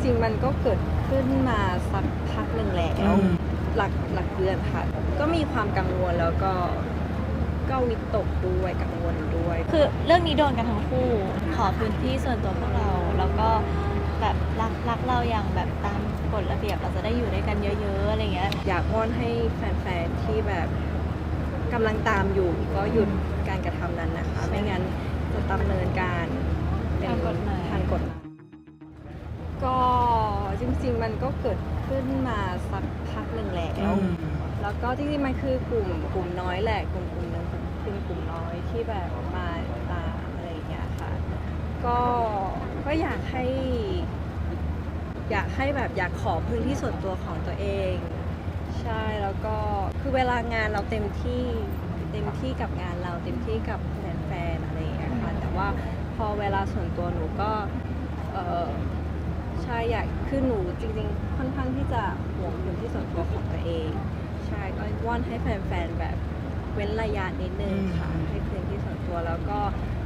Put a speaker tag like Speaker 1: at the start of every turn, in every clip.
Speaker 1: ริงๆมันก็เกิดขึ้นมาสักพักหนึ่งแล้วหลักเดือนค่ะก็มีความกังวลแล้วก็วิตกด้วยกังวลด้วย
Speaker 2: คือเรื่องนี้โดนกันทั้งคู่ขอพื้นที่ส่วนตัวพวกเราแล้วก็แบบรักเราอย่างแบบตามกฎระเบียบเราจะได้อยู่ด้วยกันเยอะๆอะไรเงี้ย
Speaker 1: อยากวอนให้แฟนๆที่แบบกำลังตามอยู่ก็หยุดการกระทำนั้นนะคะไม่งั้นจะดำเนินการเป็นทางกฎหมายก็จริงๆมันก็เกิดขึ้นมาสักพักหนึ่งแล้วก็จริงๆมันคือกลุ่มน้อยแหละกลุ่มนึงเป็นกลุ่มน้อยที่แบบมาตามอะไรอย่างเงี้ยค่ะก็อยากให้แบบอยากขอพื้นที่ส่วนตัวของตัวเองใช่แล้วก็คือเวลางานเราเต็มที่กับงานเราเต็มที่กับแฟนๆอะไรอย่างเงี้ยค่ะแต่ว่าพอเวลาส่วนตัวหนูก็ใช่อยากคือหนูจริงๆค่อนข้างที่จะห่วงพื้นที่ส่วนตัวของตัวเองใช่ก็วอนให้แฟนๆแบบเว้นระยะนิดนึงค่ะให้พื้นที่ส่วนตัวแล้วก็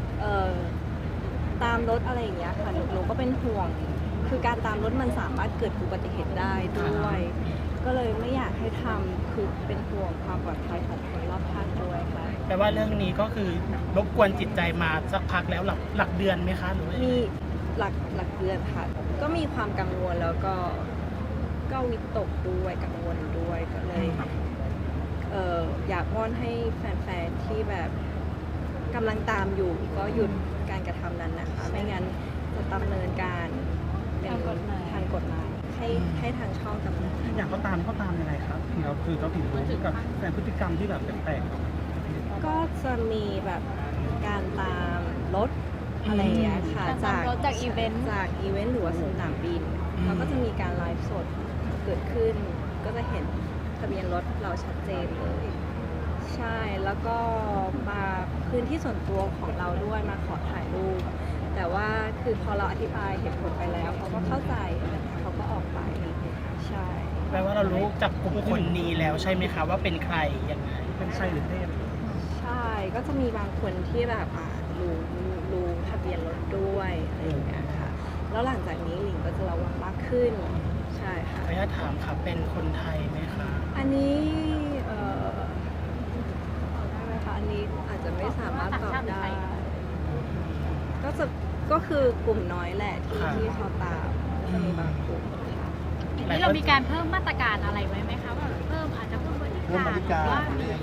Speaker 1: ตามรถอะไรอย่างเงี้ยค่ะหนูก็เป็นห่วงคือการตามรถมันสามารถเกิดอุบัติเหตุได้ด้วยก็เลยไม่อยากให้ทำคือเป็นห่วงความปลอดภัยของคนรอบข้างด้วยค่ะ
Speaker 3: แปลว่าเรื่องนี้ก็คือรบกวนจิตใจมาสักพักแล้วหลักเดือนไหมคะหรือว่า
Speaker 1: มีหลักเดือนค่ะก็มีความกังวลแล้วก็วิตกด้วยกังวลด้วยก็เลยอยากวอนให้แฟนๆที่แบบกำลังตามอยู่ก็หยุดการกระทำนั้นนะคะไม่งั้นจะดำเนินการเป็นทางกฎหมายให้ทางช่องดำเนิน
Speaker 4: อย่างเขาตามยังไงครับเราคือเราถึงรู้กับแฟนพฤติกรรมที่แบบแปลก
Speaker 1: ๆก็จะมีแบบการตามรถอะไรอย่างเงี้ยค่ะ
Speaker 2: จากอีเวนต์
Speaker 1: หรือว่าสนามบินเขาก็จะมีการไลฟ์สดเกิดขึ้นก็จะเห็นทะเบียนรถเราชัดเจนเลยใช่แล้วก็มาพื้นที่ส่วนตัวของเราด้วยมาขอถ่ายรูปแต่ว่าคือพอเราอธิบายเหตุผลไปแล้วเขาก็เข้าใจเขาก็ออกไปใช่
Speaker 3: แปลว่าเรารู้จักกลุ่มคนนี้แล้วใช่ไหมคะว่าเป็นใครยังไง
Speaker 4: เป็นชายหรือเพศ
Speaker 1: ใช่ก็จะมีบางคนที่แบบรู้ทะเบียนรถด้วยอะไรอย่างเงี้ยค่ะแล้วหลังจากนี้หลิงก็จะระวังมากขึ้นใช่ค่ะ
Speaker 3: ขออนุญาตถามค่ะเป็นคนไทยไหมคะ
Speaker 1: อันนี้ได้ไหมคะอันนี้อาจจะไม่สามารถตอบได้ก็คือกลุ่มน้อยแหละที่เขาตามจะมีบางกลุ่มค่ะ
Speaker 5: นี่เรามีการเพิ่มมาตรการอะไรไว้ไหมคะว่าเพิ่มอาจจะเพิ่มบริการว่า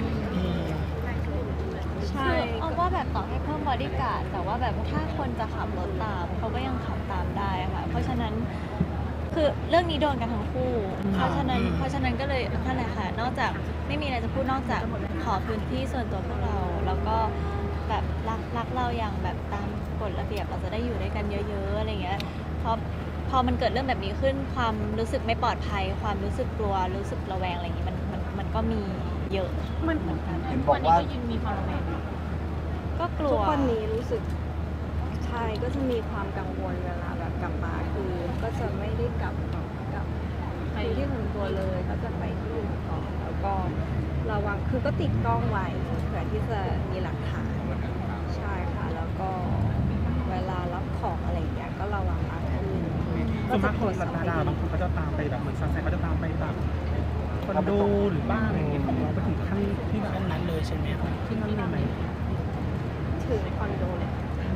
Speaker 1: ใช่
Speaker 2: เอาว่าแบบต่อให้เพิ่มบอดี้การ์ดแต่ว่าแบบถ้าคนจะขับรถตามเขาก็ยังขับตามได้ค่ะเพราะฉะนั้นคือเรื่องนี้โดนกันทั้งคู่เพราะฉะนั้นก็เลยนั่นแหละค่ะนอกจากไม่มีอะไรจะพูดนอกจากขอพื้นที่ส่วนตัวพวกเราแล้วก็แบบรักเราอย่างแบบตามกฎระเบียบเราจะได้อยู่ด้วยกันเยอะๆอะไรเงี้ยพอมันเกิดเรื่องแบบนี้ขึ้นความรู้สึกไม่ปลอดภัยความรู้สึกกลัวรู้สึกระแวงอะไรอย่างงี้มันก็มีเยอะเหมือนกัน
Speaker 5: ทุกวันนี้ก็ยังมีความระแวง
Speaker 2: ก็กลัว
Speaker 1: ทุกวันนี้รู้สึกใช่ก็จะมีความกังวลเวลาแบบกลับมาคือก็จะไม่ได้กลับไปที่ส่วนตัวเลยก็จะไปที่อื่นก่อนแล้วก็ระวังคือก็ติดกล้องไว้เผื่อที่จะมีหลักฐานใช่ค่ะแล้วก็เวลารับของอะไรอย่างเงี้ยก็ระวังมากขึ้น
Speaker 4: ส่วนมากคนแบบดาราบางคนเขาจะตามไปแบบเหมือนซันแซนเขาจะตามไปแบบคอนโดหรือบ้านอะไรอย่างเงี้ยของเราไปถึงขั้นที่แบบ
Speaker 3: นั้นเลยใช่ไหมคะ
Speaker 4: ที่นั่นเลยไหม
Speaker 1: ถึงคอนโดเลย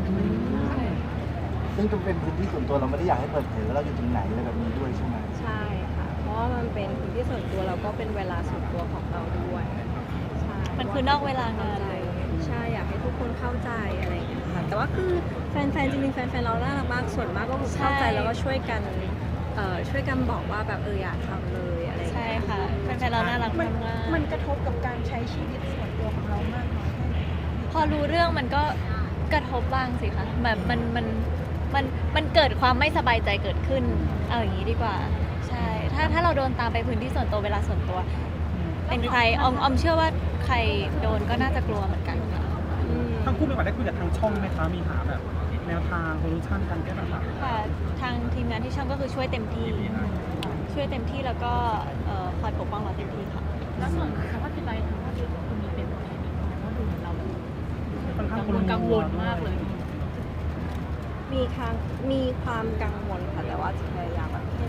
Speaker 6: ซึ่งจะเป็นพื้นที่ส่วนตัวเราไม่ได้อยากให้เปิดเผยว่าเราอยู่ตรงไหนอะไรแบบนี้ด้วยใช่ไหม
Speaker 1: ใช่ค่ะเพราะว่ามันเป็นพื้นที่ส่วนตัวเราก็เป็นเวลาส่วนตัวของเราด้วยใช่
Speaker 2: มันคือนอกเวลางานเลย
Speaker 1: ใช่อยากให้ทุกคนเข้าใจอะไรอย่างเงี้ยค่ะแต่ว่าคือแฟนๆจริงๆแฟนๆเราน่ารักมากส่วนมากก็เข้าใจแล้วก็ช่วยกันบอกว่าแบบอยากทำเลยอะไร
Speaker 2: ใช่ค่ะแฟนๆเราน่ารักมาก
Speaker 5: มันกระทบกับการใช้ชีวิตส่วนตัวของเรามากน้อยแค่ไหน
Speaker 2: พอรู้เรื่องมันก็กระทบบ้างสิคะแบบมันเกิดความไม่สบายใจเกิดขึ้นเอาอย่างนี้ดีกว่าใช่ถ้าเราโดนตามไปพื้นที่ส่วนตัวเวลาส่วนตัวเป็นใครออมเชื่อว่าใครโดนก็น่าจะกลัวเหมือนกันค่ะ
Speaker 4: ทั้งคู่มีโอกาสได้คุยกับทางช่องไหมคะมีหาแบบแนวทางโซลูชันการแก้ปัญหา
Speaker 2: ค่ะทางทีมงานที่ช่องก็คือช่วยเต็มที่แล้วก็คอยปกป้องเราเต็มที่ค่ะ
Speaker 5: แล้วส่วนสภาพจิตใจทางครอบครัวคุณมีเป็นตัวแทนอีกไหมว่าดูเรากังวลมากเลย
Speaker 1: มีความกังวลค่ะแต่ว่าจะพยายามแบบ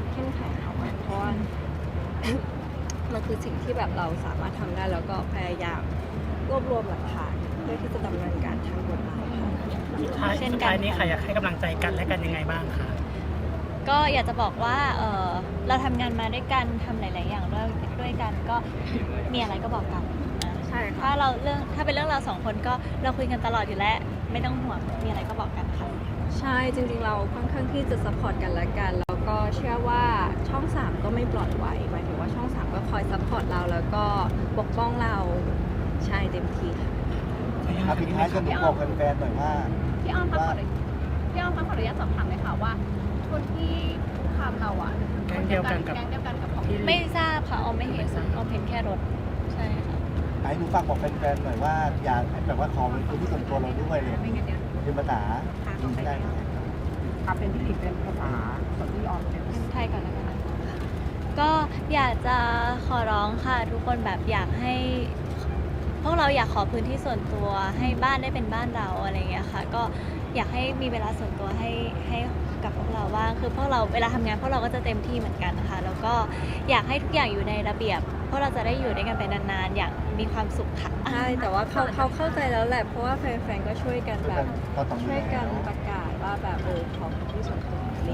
Speaker 1: มันคือสิ่งที่แบบเราสามารถทำได้แล้วก็พยายามรวบรวมหลักฐานเพื่อที่จะดำเนินการทางกฎหมายค่ะ
Speaker 3: สุดท้ายนี้ค่ะอยากให้กำลังใจกันและกันยังไงบ้างคะ
Speaker 2: ก็อยากจะบอกว่าเราทำงานมาด้วยกันทำหลาย ๆ อย่างด้วยกันก็มีอะไรก็บอกกันนะ
Speaker 1: ใช่ค่ะ
Speaker 2: ถ้าเป็นเรื่องเราสองคนก็เราคุยกันตลอดอยู่แล้วไม่ต้องห่วงมีอะไรก็บอกกันค่ะ
Speaker 1: ใช่จริงๆเราค่อนข้างที่จะซัพพอร์ตกันและกัน แล้วก็เชื่อว่าช่อง 3 ก็ไม่ปล่อยไว้หมายถึงว่าช่อง 3 ก็คอยซัพพอร์ตเราแล้วก็ปกป้องเราใช่เต็มที่ค่ะ
Speaker 6: ครับปิดท้ายจะหนูบอกแฟนๆหน่อยว่า
Speaker 5: พี่อ้อมคะขออนุญาตสอบถามเลยค่ะว่าคนที่คุกคามเราอ่ะ
Speaker 3: แก๊งเดียวกันกับ
Speaker 5: แก๊งเดียวกันกับของ
Speaker 3: ที่
Speaker 2: ไม่ทราบค่ะออมไม่เห็นออมเห็นแค่รถใช่ค่ะ
Speaker 6: ให้หนูฝากบอกแฟนๆหน่อยว่าอยากแบบว่าขอเป็นพื้นที่ส่วนตัวเราด้วยเลยเป็นภาษาได้ไหม
Speaker 4: ครับเป็นที่เป็นภาษาส่วนที่ออนเป็น
Speaker 2: ไทยก่อนแล้วกันก็อยากจะขอร้องค่ะ ทุกคนแบบอยากให้ พวกเราอยากขอพื้นที่ส่วนตัวให้บ้านได้เป็นบ้านเราอะไรอย่างเงี้ยค่ะ ก็อยากให้มีเวลาส่วนตัวให้กับพวกเราว่างคือพวกเราเวลาทำงานพวกเราก็จะเต็มที่เหมือนกันนะคะแล้วก็อยากให้ทุกอย่างอยู่ในระเบียบพวกเราจะได้อยู่ด้วยกันไปนานๆอย่างมีความสุขค่ะ
Speaker 1: ใช่แต่ว่าเขาเข้าใจแล้วแหละเพราะว่าแฟนๆก็ช่วยกันแบบ
Speaker 6: ก็ต้อง
Speaker 1: ช่วยกันประกาศว่าแบบขอพื้นที่ส่วนตัวลิง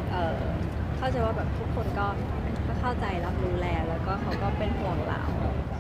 Speaker 1: เข้าใจว่าแบบทุกคนก็เข้าใจรับรู้แล้วก็เขาก็เป็นห่วงเรา